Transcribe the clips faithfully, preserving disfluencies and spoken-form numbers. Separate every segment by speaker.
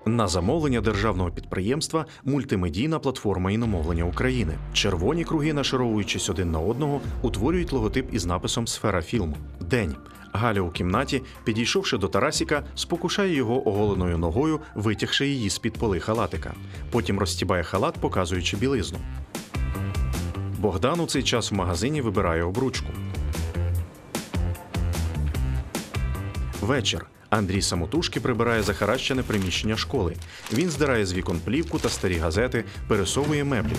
Speaker 1: На замовлення державного підприємства «Мультимедійна платформа іномовлення України». Червоні круги, нашаровуючись один на одного, утворюють логотип із написом «Сфера фільму». День. Галя у кімнаті, підійшовши до Тарасіка, спокушає його оголеною ногою, витягши її з-під поли халатика. Потім розстібає халат, показуючи білизну. Богдан у цей час в магазині вибирає обручку. Вечір. Андрій самотужки прибирає захаращене приміщення школи. Він здирає з вікон плівку та старі газети, пересовує меблі.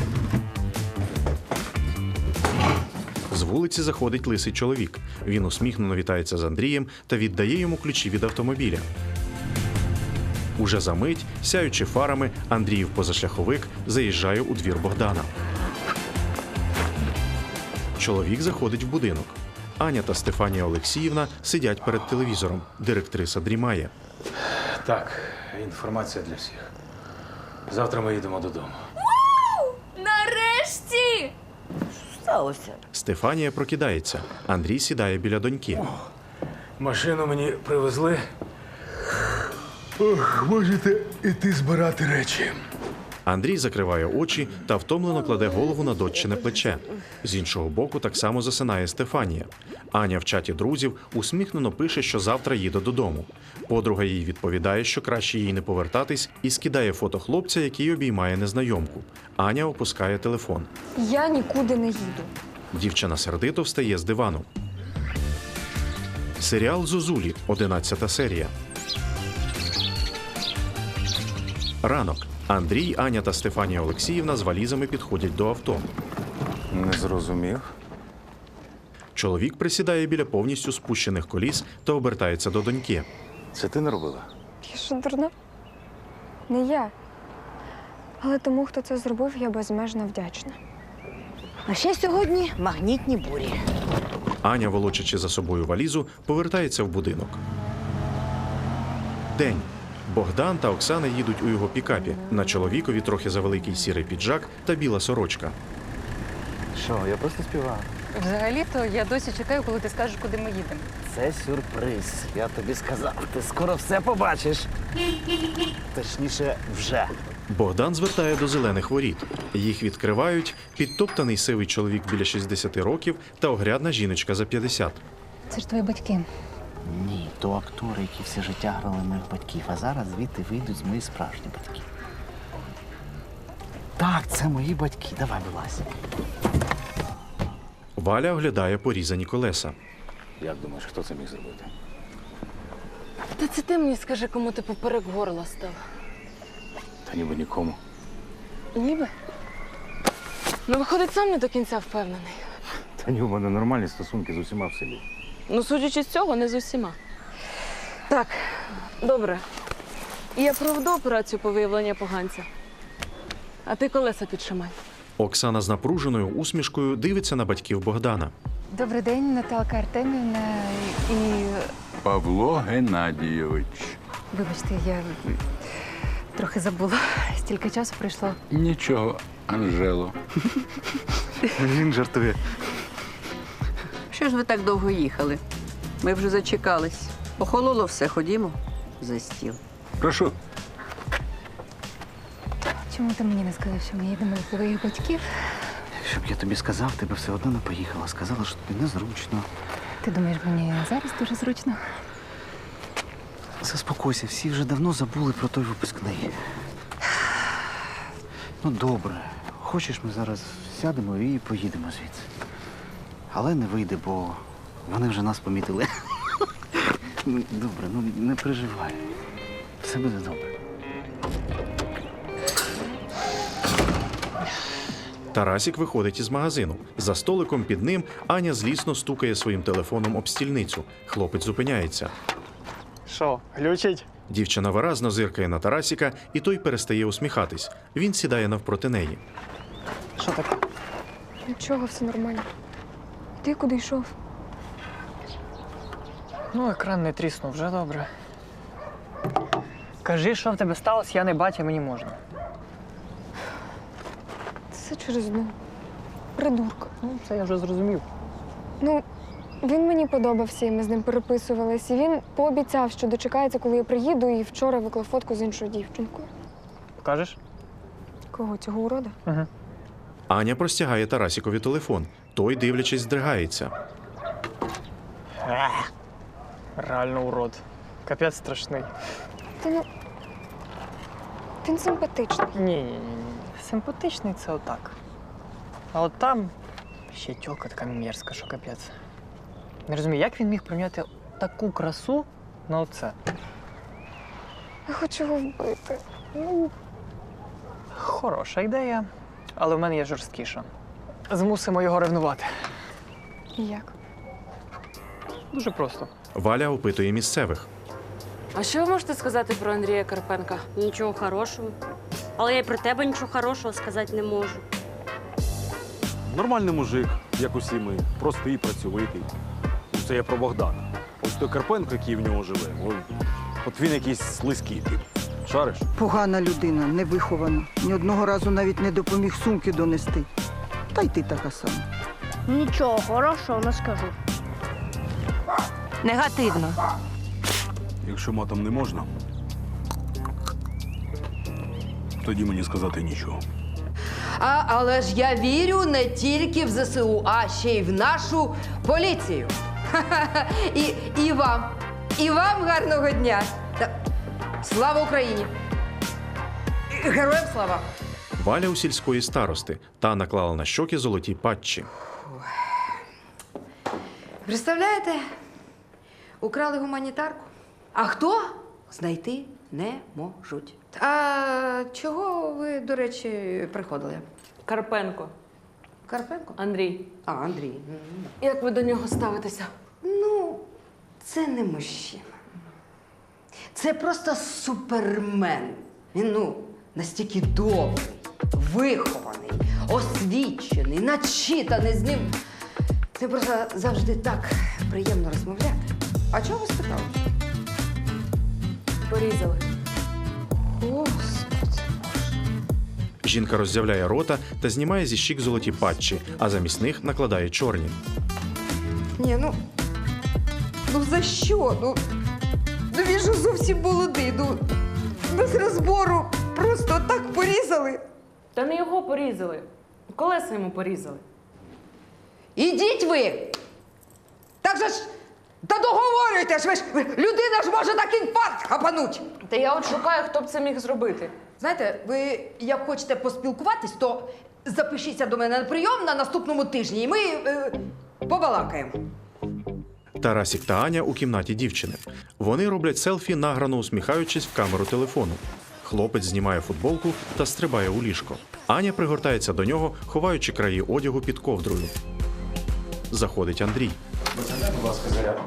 Speaker 1: З вулиці заходить лисий чоловік. Він усміхнено вітається з Андрієм та віддає йому ключі від автомобіля. Уже за мить, сяючи фарами, Андріїв позашляховик заїжджає у двір Богдана. Чоловік заходить в будинок. Аня та Стефанія Олексіївна сидять перед телевізором. Директриса дрімає.
Speaker 2: Так, інформація для всіх. Завтра ми їдемо додому.
Speaker 3: Нарешті!
Speaker 4: Що сталося?
Speaker 1: Стефанія прокидається. Андрій сідає біля доньки.
Speaker 2: Машину мені привезли. Ох, можете іти збирати речі.
Speaker 1: Андрій закриває очі та втомлено кладе голову на доччине плече. З іншого боку так само засинає Стефанія. Аня в чаті друзів усміхнено пише, що завтра їде додому. Подруга їй відповідає, що краще їй не повертатись, і скидає фото хлопця, який обіймає незнайомку. Аня опускає телефон.
Speaker 3: Я нікуди не їду.
Speaker 1: Дівчина сердито встає з дивану. Серіал «Зозулі», одинадцята серія. Ранок. Андрій, Аня та Стефанія Олексіївна з валізами підходять до авто.
Speaker 5: Не зрозумів.
Speaker 1: Чоловік присідає біля повністю спущених коліс та обертається до доньки.
Speaker 5: Це ти не робила?
Speaker 3: Я що, дурна? Не я. Але тому, хто це зробив, я безмежно вдячна.
Speaker 4: А ще сьогодні магнітні бурі.
Speaker 1: Аня, волочачи за собою валізу, повертається в будинок. День. Богдан та Оксана їдуть у його пікапі. На чоловікові трохи завеликий сірий піджак та біла сорочка.
Speaker 5: Що, я просто співав.
Speaker 6: Взагалі-то я досі чекаю, коли ти скажеш, куди ми їдемо.
Speaker 7: Це сюрприз. Я тобі сказав, ти скоро все побачиш. Точніше, вже.
Speaker 1: Богдан звертає до зелених воріт. Їх відкривають підтоптаний сивий чоловік біля шістдесяти років та огрядна жіночка за п'ятдесят.
Speaker 6: Це ж твої батьки.
Speaker 7: Ні, то актори, які все життя грали моїх батьків, а зараз звідти вийдуть мої справжні батьки. Так, це мої батьки. Давай, вилазь.
Speaker 1: Валя оглядає порізані колеса.
Speaker 2: Як думаєш, хто це міг зробити?
Speaker 6: Та це ти мені скажи, кому ти поперек горла став.
Speaker 2: Та ніби нікому.
Speaker 6: Ніби? Ну, виходить, сам не до кінця впевнений.
Speaker 5: Та ні, у мене нормальні стосунки з усіма в селі.
Speaker 6: Ну, судячи з цього, не з усіма. Так, добре. Я проведу операцію по виявленню поганця. А ти колеса підшимай.
Speaker 1: Оксана з напруженою усмішкою дивиться на батьків Богдана.
Speaker 8: Добрий день, Наталка Артемівна. І
Speaker 9: Павло Геннадійович.
Speaker 8: вибачте, я трохи забула. Стільки часу пройшло.
Speaker 9: Нічого, Анжело.
Speaker 5: Він жартує.
Speaker 4: Що ж ви так довго їхали? Ми вже зачекались. Охололо все, ходімо за стіл.
Speaker 9: Прошу.
Speaker 8: Чому ти мені не сказав, що ми їдемо до твоїх батьків?
Speaker 7: Щоб я тобі сказав, ти б все одно не поїхала. Сказала, що тобі незручно.
Speaker 8: Ти думаєш, мені зараз дуже зручно?
Speaker 7: Заспокойся, всі вже давно забули про той випускний. Ну, добре. Хочеш, ми зараз сядемо і поїдемо звідси. Але не вийде, бо вони вже нас помітили. Ну, добре, ну не переживай. Все буде добре.
Speaker 1: Тарасік виходить із магазину. За столиком під ним Аня злісно стукає своїм телефоном об стільницю. Хлопець зупиняється.
Speaker 10: Що, глючить?
Speaker 1: Дівчина виразно зиркає на Тарасіка, і той перестає усміхатись. Він сідає навпроти неї.
Speaker 10: Що таке?
Speaker 3: Нічого, все нормально. Ти куди йшов?
Speaker 10: Ну, екран не тріснув, вже добре. Кажи, що в тебе сталося, я не батя, мені можна.
Speaker 3: Це все через одну придурка.
Speaker 10: Ну, це я вже зрозумів.
Speaker 3: Ну, Він мені подобався, і ми з ним переписувались. І він пообіцяв, що дочекається, коли я приїду, і вчора виклав фотку з іншою дівчинкою.
Speaker 10: Покажеш?
Speaker 3: Кого, цього урода?
Speaker 10: Угу.
Speaker 1: Аня простягає Тарасікові телефон. Той, дивлячись, здригається.
Speaker 10: Реально урод. Капець страшний.
Speaker 3: Та ну. Він симпатичний.
Speaker 10: Ні, ні, ні, ні. Симпатичний це отак. А от там ще тьолка така мерзка, що капець. Не розумію, як він міг прийняти таку красу на оце?
Speaker 3: Я хочу його вбити. Ну,
Speaker 10: Хороша ідея, але в мене є жорсткіша. Змусимо його ревнувати.
Speaker 3: як?
Speaker 10: Дуже просто.
Speaker 1: Валя опитує місцевих.
Speaker 6: А що ви можете сказати про Андрія Карпенка?
Speaker 11: Нічого хорошого. Але я й про тебе нічого хорошого сказати не можу.
Speaker 12: Нормальний мужик, як усі ми, простий, працьовитий. Це я про Богдана. Ось той Карпенко, який в нього живе, о- от він якийсь слизький тип. Шариш?
Speaker 13: Погана людина, невихована. Ні одного разу навіть не допоміг сумки донести. Та й ти така сама.
Speaker 11: Нічого хорошого не скажу.
Speaker 4: Негативно.
Speaker 12: Якщо матом не можна, тоді мені сказати нічого.
Speaker 4: А, але ж я вірю не тільки в зе се у, а ще й в нашу поліцію. І, і вам. І вам гарного дня. Та, слава Україні! І героям слава!
Speaker 1: Валя у сільської старости та наклала на щоки золоті патчі.
Speaker 4: Представляєте? Украли гуманітарку. А хто? Знайти не можуть. А чого ви, до речі, приходили?
Speaker 6: Карпенко.
Speaker 4: Карпенко?
Speaker 6: Андрій.
Speaker 4: А, Андрій.
Speaker 6: Як ви до нього ставитеся?
Speaker 4: Ну, це не мужчина. Це просто супермен. Він, ну, настільки добрий, вихований, освічений, начитаний з ним. Це просто завжди так приємно розмовляти. А чого ви спитали?
Speaker 6: Порізали.
Speaker 4: Господи.
Speaker 1: Жінка роздявляє рота та знімає зі щік золоті патчі, а замість них накладає чорні.
Speaker 4: Ні, ну. Ну за що? Ну, ну він же зовсім молодий. Ну, без розбору просто так порізали.
Speaker 6: Та не його порізали. Колеса йому порізали.
Speaker 4: Ідіть ви! Так же ж. Та договорюйте ж, ви ж людина ж може так інфаркт хапануть.
Speaker 6: Та я от шукаю, хто б це міг зробити.
Speaker 4: Знаєте, ви як хочете поспілкуватись, то запишіться до мене на прийом на наступному тижні, і ми е, побалакаємо.
Speaker 1: Тарасік та Аня у кімнаті дівчини. Вони роблять селфі, награно усміхаючись в камеру телефону. Хлопець знімає футболку та стрибає у ліжко. Аня пригортається до нього, ховаючи краї одягу під ковдрою. Заходить Андрій.
Speaker 2: Будь ласка, зарядку.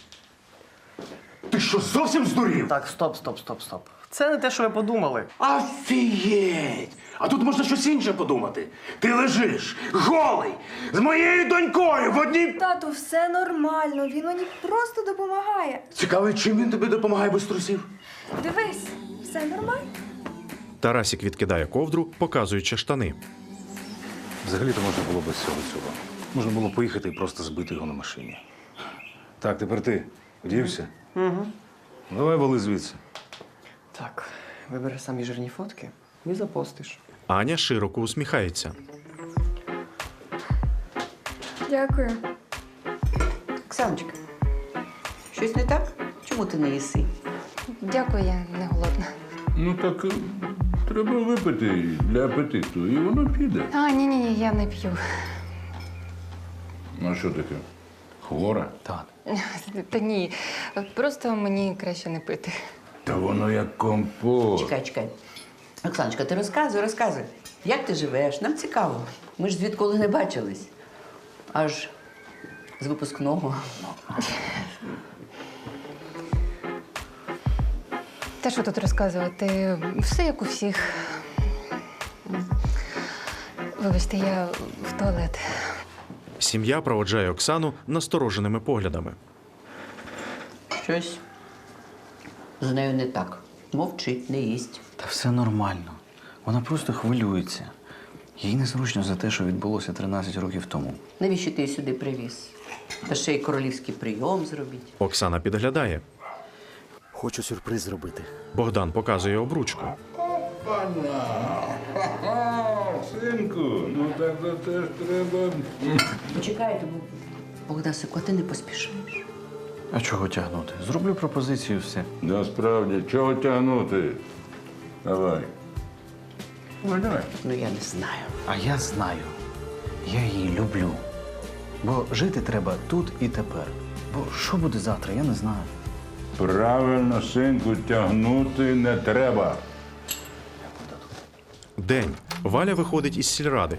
Speaker 5: Ти що, зовсім здурів?
Speaker 10: Так, стоп, стоп, стоп, стоп. Це не те, що ви подумали.
Speaker 5: Офігеть! А тут можна щось інше подумати. Ти лежиш, голий, з моєю донькою в одній...
Speaker 3: Тату, все нормально, він мені просто допомагає.
Speaker 5: Цікаво, чим він тобі допомагає без трусів?
Speaker 3: Дивись, все нормально.
Speaker 1: Тарасік відкидає ковдру, показуючи штани.
Speaker 12: Взагалі-то можна було без цього цього. Можна було поїхати і просто збити його на машині. Так, тепер ти вдівся?
Speaker 10: Угу.
Speaker 12: Давай вали звідси.
Speaker 10: Так, вибери самі жирні фотки і запостиш.
Speaker 1: Аня широко усміхається.
Speaker 3: Дякую.
Speaker 4: Оксаночка, щось не так? Чому ти не їси?
Speaker 8: Дякую, я не голодна.
Speaker 9: Ну так е, треба випити для апетиту, і воно піде.
Speaker 8: А, ні, ні, ні, я не п'ю.
Speaker 9: Ну що таке? Хвора?
Speaker 12: Так.
Speaker 8: Та ні, просто мені краще не пити.
Speaker 9: Та воно як компот.
Speaker 4: Чекай, чекай. Оксаночка, ти розказуй, розказуй. Як ти живеш? Нам цікаво. Ми ж звідколи не бачились. Аж з випускного.
Speaker 8: Та що тут розказувати? Все як у всіх. Вибачте, я в туалет.
Speaker 1: Сім'я проводжає Оксану настороженими поглядами.
Speaker 4: Щось з нею не так. Мовчить, не їсть.
Speaker 7: Та все нормально. Вона просто хвилюється. Їй незручно за те, що відбулося тринадцять років тому.
Speaker 4: Навіщо ти її сюди привіз? Та ще й королівський прийом зробіть.
Speaker 1: Оксана підглядає.
Speaker 7: Хочу сюрприз зробити.
Speaker 1: Богдан показує обручку.
Speaker 9: Синку, ну так то теж треба.
Speaker 4: Почекайте, Богдасику, а ти не поспішаєш.
Speaker 7: А чого тягнути? Зроблю пропозицію, все.
Speaker 9: Насправді, чого тягнути? Давай. Ну, давай.
Speaker 4: Ну, я не знаю.
Speaker 7: А я знаю. Я її люблю. Бо жити треба тут і тепер. Бо що буде завтра, я не знаю.
Speaker 9: Правильно, синку, тягнути не треба.
Speaker 1: День. Валя виходить із сільради.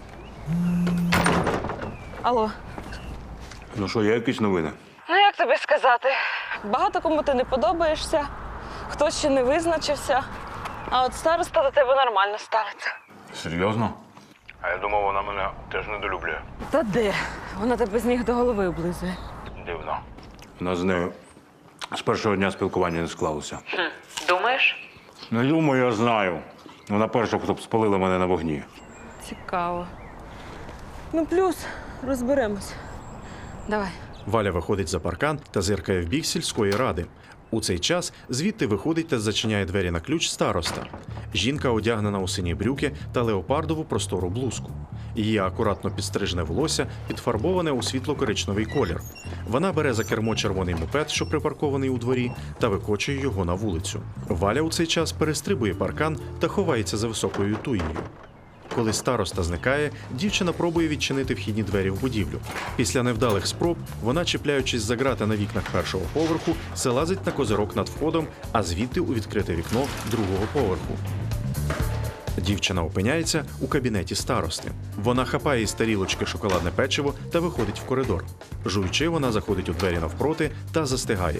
Speaker 6: Алло,
Speaker 12: Ну що, є якісь новини?
Speaker 6: ну як тобі сказати? Багато кому ти не подобаєшся, хтось ще не визначився, а от староста до тебе нормально ставиться.
Speaker 12: Серйозно? А я думав, вона мене теж недолюблює.
Speaker 6: Та де? Вона тебе з ніг до голови облизує.
Speaker 12: Дивно. У нас з нею з першого дня спілкування не склалося.
Speaker 6: Думаєш?
Speaker 12: Не думаю, я знаю. Вона перша, хто б спалила мене на вогні.
Speaker 6: Цікаво. Ну, плюс розберемось. Давай.
Speaker 1: Валя виходить за паркан та зиркає в бік сільської ради. У цей час звідти виходить та зачиняє двері на ключ староста. Жінка одягнена у сині брюки та леопардову простору блузку. Її акуратно підстрижене волосся підфарбоване у світло-коричневий колір. Вона бере за кермо червоний мопед, що припаркований у дворі, та викочує його на вулицю. Валя у цей час перестрибує паркан та ховається за високою туєю. Коли староста зникає, дівчина пробує відчинити вхідні двері в будівлю. Після невдалих спроб вона, чіпляючись за грати на вікнах першого поверху, залазить на козирок над входом, а звідти у відкрите вікно другого поверху. Дівчина опиняється у кабінеті старости. Вона хапає із тарілочки шоколадне печиво та виходить в коридор. Жуючи, вона заходить у двері навпроти та застигає.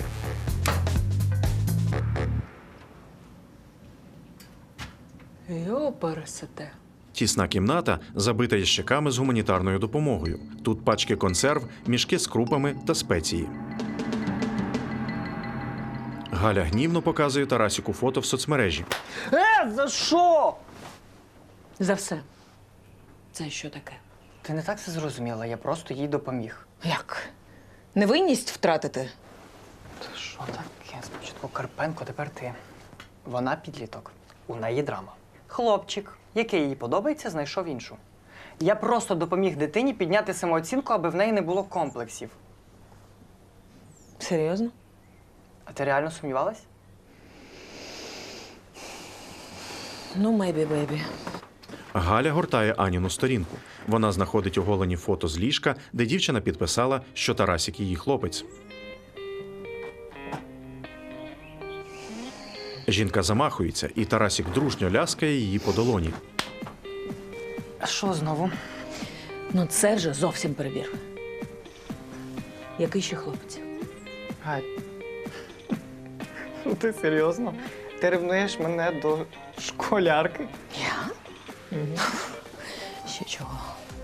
Speaker 6: Йопересете.
Speaker 1: Тісна кімната забита ящиками з гуманітарною допомогою. Тут пачки консерв, мішки з крупами та спеції. Галя гнівно показує Тарасіку фото в соцмережі.
Speaker 10: Е, за що?
Speaker 6: За все. Це що таке?
Speaker 10: Ти не так це зрозуміла, я просто їй допоміг.
Speaker 8: Як? Невинність втратити?
Speaker 10: Та що таке? Спочатку Карпенко, тепер ти. Вона підліток. У неї драма. Хлопчик, який їй подобається, знайшов іншу. Я просто допоміг дитині підняти самооцінку, аби в неї не було комплексів.
Speaker 6: Серйозно?
Speaker 10: А ти реально сумнівалась?
Speaker 6: Ну, мейбі, бейбі.
Speaker 1: Галя гортає Аніну сторінку. Вона знаходить оголені фото з ліжка, де дівчина підписала, що Тарасік її хлопець. Жінка замахується, і Тарасік дружньо ляскає її по долоні.
Speaker 10: А що знову?
Speaker 6: Ну, це вже зовсім перебір. Який ще хлопець?
Speaker 10: Гай. Ну ти серйозно? Ти ревнуєш мене до школярки?
Speaker 6: Я? Ще чого?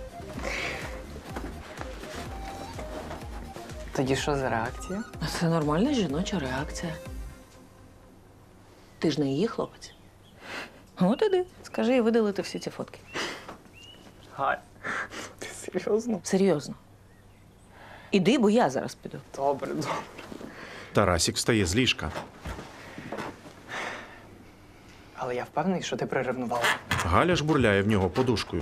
Speaker 10: Тоді що за реакція?
Speaker 6: А це нормальна жіноча реакція. Ти ж не її хлопець. От іди, скажи і видалити всі ці фотки.
Speaker 10: Гай, ти серйозно?
Speaker 6: Серйозно. Іди, бо я зараз піду.
Speaker 10: Добре, добре.
Speaker 1: Тарасік встає з ліжка.
Speaker 10: Але я впевнений, що ти приревнувала.
Speaker 1: Галя жбурляє в нього подушкою.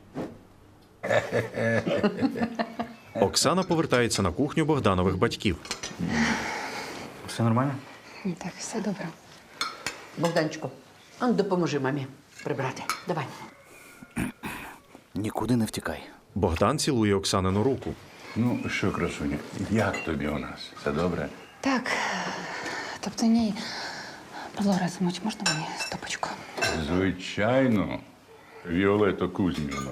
Speaker 1: Оксана повертається на кухню Богданових батьків.
Speaker 7: Все нормально?
Speaker 8: Так, все добре.
Speaker 4: Богданчику, а ну допоможи мамі прибрати. Давай.
Speaker 7: Нікуди не втікай.
Speaker 1: Богдан цілує Оксанину руку.
Speaker 9: Ну що, красуня, як тобі у нас? Все добре?
Speaker 8: Так. Тобто ні. Павло Разумович, можна мені стопочку?
Speaker 9: Звичайно, Віолетто Кузьмівно.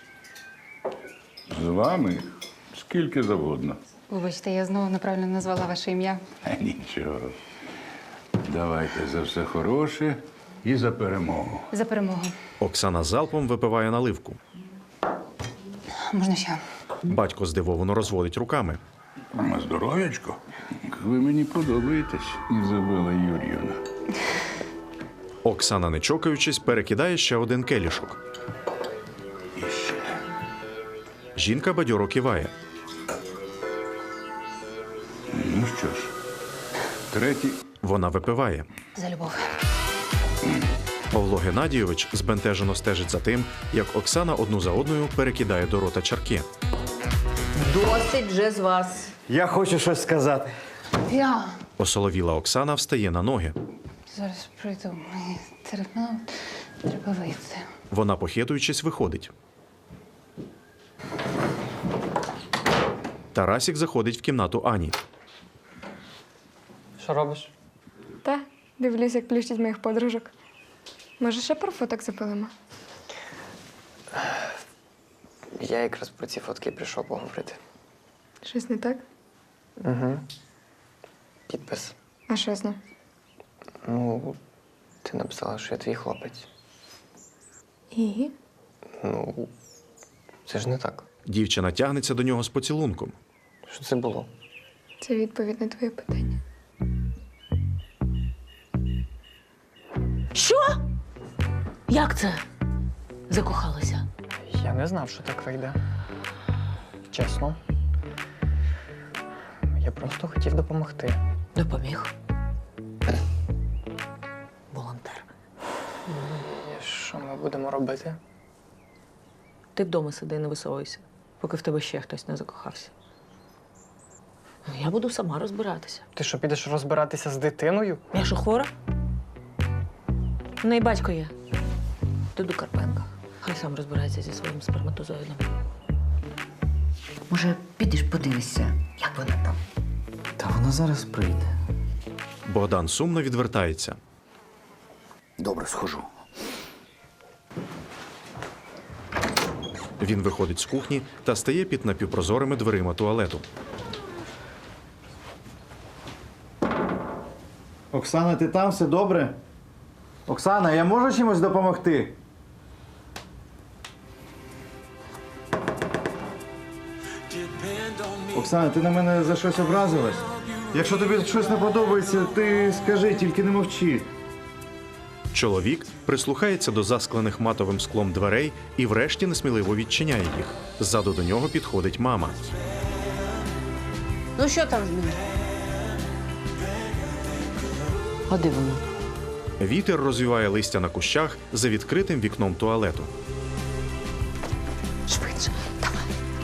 Speaker 9: З вами скільки завгодно.
Speaker 8: Вибачте, я знову неправильно назвала ваше ім'я.
Speaker 9: Е, Нічого. Давайте за все хороше і за перемогу.
Speaker 8: За перемогу.
Speaker 1: Оксана залпом випиває наливку.
Speaker 8: Можна ще?
Speaker 1: Батько здивовано розводить руками.
Speaker 9: На здоров'ячко. Ви мені подобаєтесь, Ізабела Юр'ївна.
Speaker 1: Оксана, не чокаючись, перекидає ще один келішок.
Speaker 9: І
Speaker 1: Жінка бадьоро киває.
Speaker 9: Ну що ж, третій.
Speaker 1: Вона випиває.
Speaker 8: За любов.
Speaker 1: Павло Геннадійович збентежено стежить за тим, як Оксана одну за одною перекидає до рота чарки.
Speaker 4: Досить вже з вас.
Speaker 10: Я хочу щось сказати.
Speaker 8: Я
Speaker 1: Осоловіла Оксана встає на ноги.
Speaker 8: зараз прийду. Мені терміново треба вийти.
Speaker 1: Вона, похитуючись, виходить. Тарасік заходить в кімнату Ані.
Speaker 10: Що робиш?
Speaker 3: Та, дивлюсь, як плющить моїх подружок. Може, ще про фоток запилимо?
Speaker 10: Я якраз про ці фотки прийшов поговорити.
Speaker 3: Щось не так?
Speaker 10: Угу. Підпис.
Speaker 3: А що з ним?
Speaker 10: Ну, ти написала, що я твій хлопець.
Speaker 3: І?
Speaker 10: Ну, це ж не так.
Speaker 1: Дівчина тягнеться до нього з поцілунком.
Speaker 10: Що це було?
Speaker 3: Це відповідь на твоє питання.
Speaker 14: Що? Як це? Закохалася?
Speaker 10: Я не знав, що так вийде. Чесно. Я просто хотів допомогти.
Speaker 14: Допоміг. Волонтер.
Speaker 10: І що ми будемо робити?
Speaker 14: Ти вдома сиди, не висовуйся, поки в тебе ще хтось не закохався. Я буду сама розбиратися.
Speaker 10: Ти що, підеш розбиратися з дитиною?
Speaker 14: Я що, хвора? В неї батько є. Ти до Карпенка. Хай сам розбирається зі своїм сперматозоїдом.
Speaker 4: Може, підеш подивишся, як вона там?
Speaker 7: Та вона зараз прийде.
Speaker 1: Богдан сумно відвертається.
Speaker 7: Добре, схожу.
Speaker 1: Він виходить з кухні та стає під напівпрозорими дверима туалету.
Speaker 7: Оксана, ти там? Все добре? Оксана, я можу чимось допомогти? Оксана, ти на мене за щось образилась? Якщо тобі щось не подобається, ти скажи, тільки не мовчи.
Speaker 1: Чоловік прислухається до засклених матовим склом дверей і врешті несміливо відчиняє їх. Ззаду до нього підходить мама.
Speaker 11: Ну що там з ним?
Speaker 14: А де воно?
Speaker 1: Вітер розвіває листя на кущах за відкритим вікном туалету.
Speaker 14: Швидше, давай.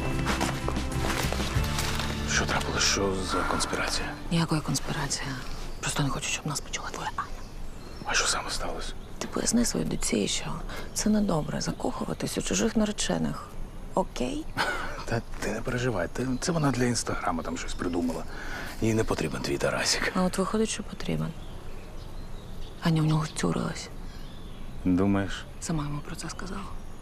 Speaker 5: Що трапилось? Що за конспірація?
Speaker 14: Ніякої конспірації. Просто не хочу, щоб нас почула твоя Аня.
Speaker 5: А що саме сталося?
Speaker 14: Ти поясни своїй доці, що це недобре закохуватись у чужих наречених. Окей?
Speaker 5: Та ти не переживай, ти- це вона для інстаграму там щось придумала. Їй не потрібен твій Тарасик.
Speaker 14: А от виходить, що потрібен. Аня в нього втюрилась.
Speaker 5: Думаєш?
Speaker 14: Сама йому про це сказала.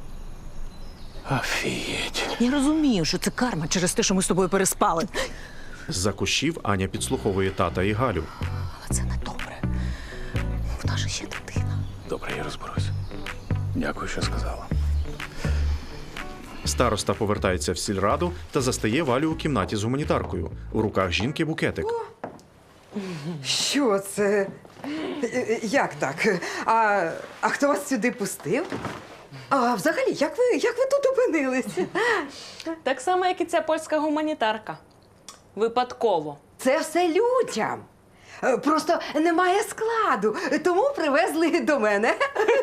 Speaker 5: Офігеть.
Speaker 14: Я розумію, що це карма через те, що ми з тобою переспали.
Speaker 1: З-за кущів Аня підслуховує тата і Галю.
Speaker 14: Але це не добре. В нас же ще дитина.
Speaker 5: Добре, я розберусь. Дякую, що сказала.
Speaker 1: Староста повертається в сільраду та застає Валю у кімнаті з гуманітаркою. У руках жінки букетик.
Speaker 4: Що це? Е, Як так? А, а хто вас сюди пустив? А взагалі, як ви, як ви тут опинилися?
Speaker 6: Так само, як і ця польська гуманітарка. Випадково.
Speaker 4: Це все людям. Е, Просто немає складу, тому привезли до мене.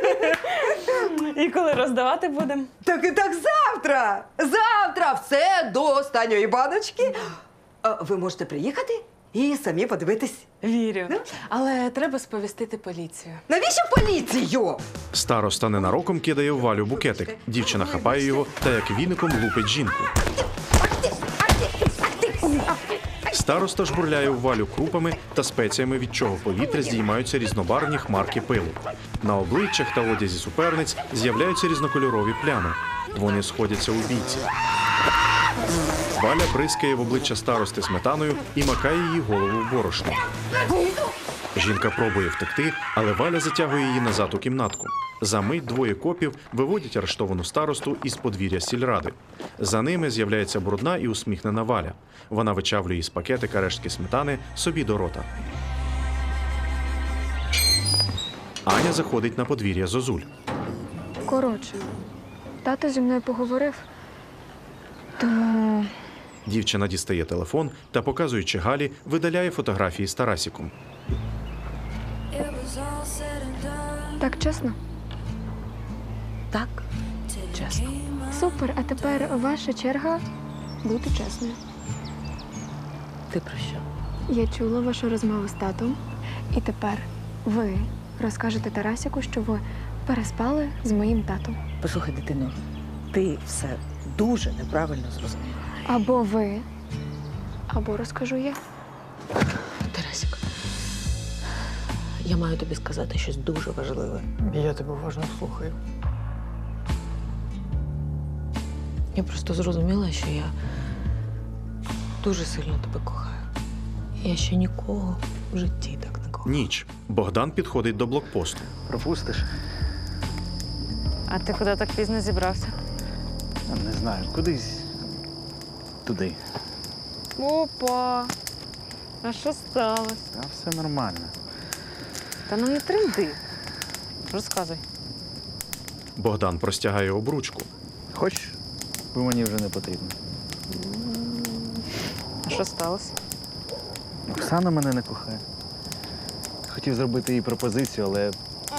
Speaker 6: І коли роздавати будемо?
Speaker 4: Так і так завтра! Завтра все до останньої баночки. А ви можете приїхати і самі подивитись.
Speaker 6: Вірю. Але треба сповістити поліцію.
Speaker 4: Навіщо поліцію?
Speaker 1: Староста ненароком кидає в Валю букетик. Дівчина хапає його та як віником лупить жінку. Староста жбурляє в Валю крупами та спеціями, від чого в повітря здіймаються різнобарвні хмарки пилу. На обличчях та одязі суперниць з'являються різнокольорові плями. Вони сходяться у бійці. Валя бризкає в обличчя старости сметаною і макає її голову в борошно. Жінка пробує втекти, але Валя затягує її назад у кімнатку. За мить двоє копів виводять арештовану старосту із подвір'я сільради. За ними з'являється брудна і усміхнена Валя. Вона вичавлює із пакетика рештки сметани собі до рота. Аня заходить на подвір'я Зозуль.
Speaker 3: Коротше, тато зі мною поговорив. Тому
Speaker 1: Дівчина дістає телефон та, показуючи Галі, видаляє фотографії з Тарасіком.
Speaker 3: так чесно?
Speaker 14: Так, чесно.
Speaker 3: Супер, а тепер ваша черга бути чесною.
Speaker 14: Ти про що?
Speaker 3: Я чула вашу розмову з татом, і тепер ви розкажете Тарасіку, що ви переспали з моїм татом.
Speaker 14: Послухай, дитино, ти все дуже неправильно зрозуміла.
Speaker 3: Або ви, або розкажу я.
Speaker 14: Тарасик, я маю тобі сказати щось дуже важливе.
Speaker 10: Я тебе уважно слухаю.
Speaker 14: Я просто зрозуміла, що я дуже сильно тебе кохаю. Я ще нікого в житті так не кохала.
Speaker 1: Ніч. Богдан підходить до блокпосту.
Speaker 7: Пропустиш?
Speaker 6: А ти куди так пізно зібрався?
Speaker 7: Не знаю, кудись туди.
Speaker 6: Опа! А що сталося?
Speaker 7: Та все нормально.
Speaker 6: Та ну не тренди. Розказуй.
Speaker 1: Богдан простягає обручку.
Speaker 7: Хочеш? Бо мені вже не потрібно.
Speaker 6: А що сталося?
Speaker 7: Оксана мене не кохає. Хотів зробити їй пропозицію, але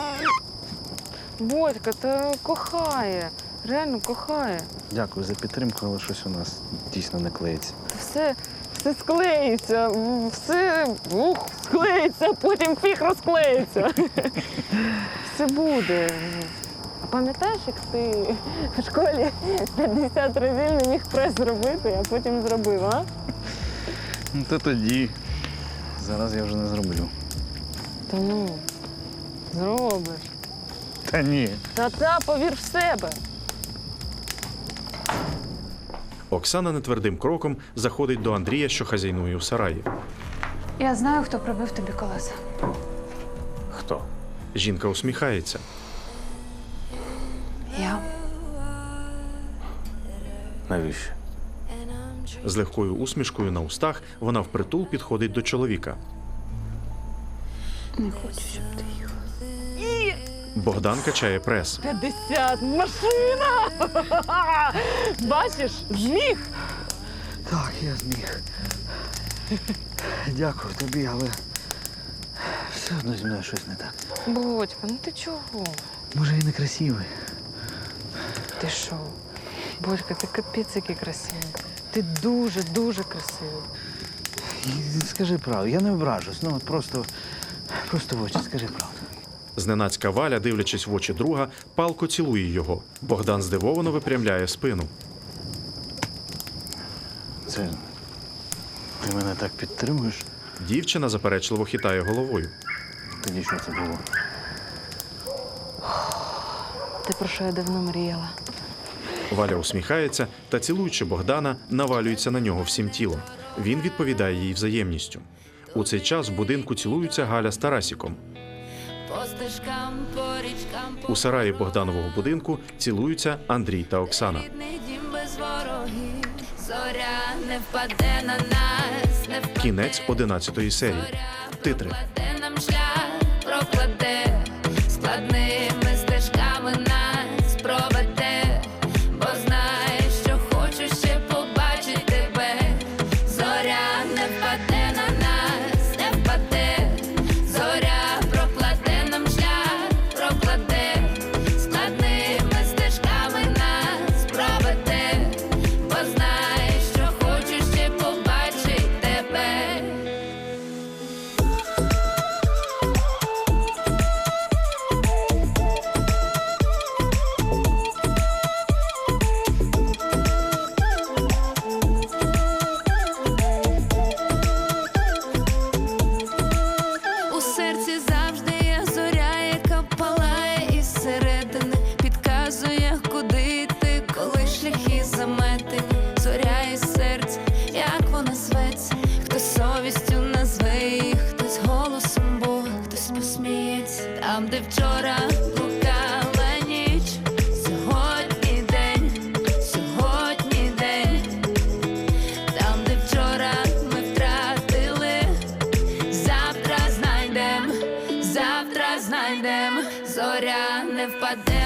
Speaker 6: Бодька, та кохає. Реально кохає.
Speaker 7: дякую за підтримку, але щось у нас дійсно не клеїться.
Speaker 6: Все, все склеїться, все ух, склеїться, потім фіг розклеїться. Все буде. А пам'ятаєш, як ти в школі п'ятдесят разів не міг прес зробити, а потім зробив, а?
Speaker 7: Ну, то тоді. Зараз я вже не зроблю.
Speaker 6: Та ну, зробиш.
Speaker 7: Та ні.
Speaker 6: Та-та, повір в себе.
Speaker 1: Оксана нетвердим кроком заходить до Андрія, що хазяйнує у сараї.
Speaker 8: Я знаю, хто пробив тобі колеса.
Speaker 1: Хто? Жінка усміхається.
Speaker 8: Я.
Speaker 2: Навіщо?
Speaker 1: З легкою усмішкою на устах вона впритул підходить до чоловіка.
Speaker 8: Не хочу, щоб ти їхав.
Speaker 1: Богдан качає прес.
Speaker 6: п'ятдесят, машина! Бачиш, зміг.
Speaker 7: Так, я зміг. Дякую тобі, але все одно зі мною щось не так.
Speaker 6: Бодька, ну ти чого?
Speaker 7: Може, я не красивий.
Speaker 6: Ти що? Бодька, ти капець який красивий. Ти дуже-дуже красивий.
Speaker 7: І скажи правду, я не ображусь, ну от просто, просто в очі скажи правду.
Speaker 1: Зненацька Валя, дивлячись в очі друга, палко цілує його. Богдан здивовано випрямляє спину.
Speaker 7: Це ти мене так підтримуєш?
Speaker 1: Дівчина заперечливо хитає головою.
Speaker 7: Тоді що це було?
Speaker 6: Ти про що я давно мріяла?
Speaker 1: Валя усміхається та, цілуючи Богдана, навалюється на нього всім тілом. Він відповідає їй взаємністю. У цей час в будинку цілуються Галя з Тарасіком. У сараї Богданового будинку цілуються Андрій та Оксана. Кінець одинадцятої серії. Титри.
Speaker 15: Складними стежками нас проведе, бо знає, що хочу ще побачити тебе. Зоря не впаде на нас, не впаде. Зоря прокладе нам шлях, прокладе. Складними стежками нас проведе, бо знає, що хочу ще побачити тебе. У серці завжди є зоря, яка палає із середини, підказує, куди йти, коли шляхи заметені. Зоря із серця, як вона зветься, хтось совістю назве її, хтось голосом Бога, хтось посміється. Там, де вчора блукала ніч, сьогодні день, сьогодні день. Там, де вчора ми втратили, завтра знайдем, завтра знайдем. Зоря не впаде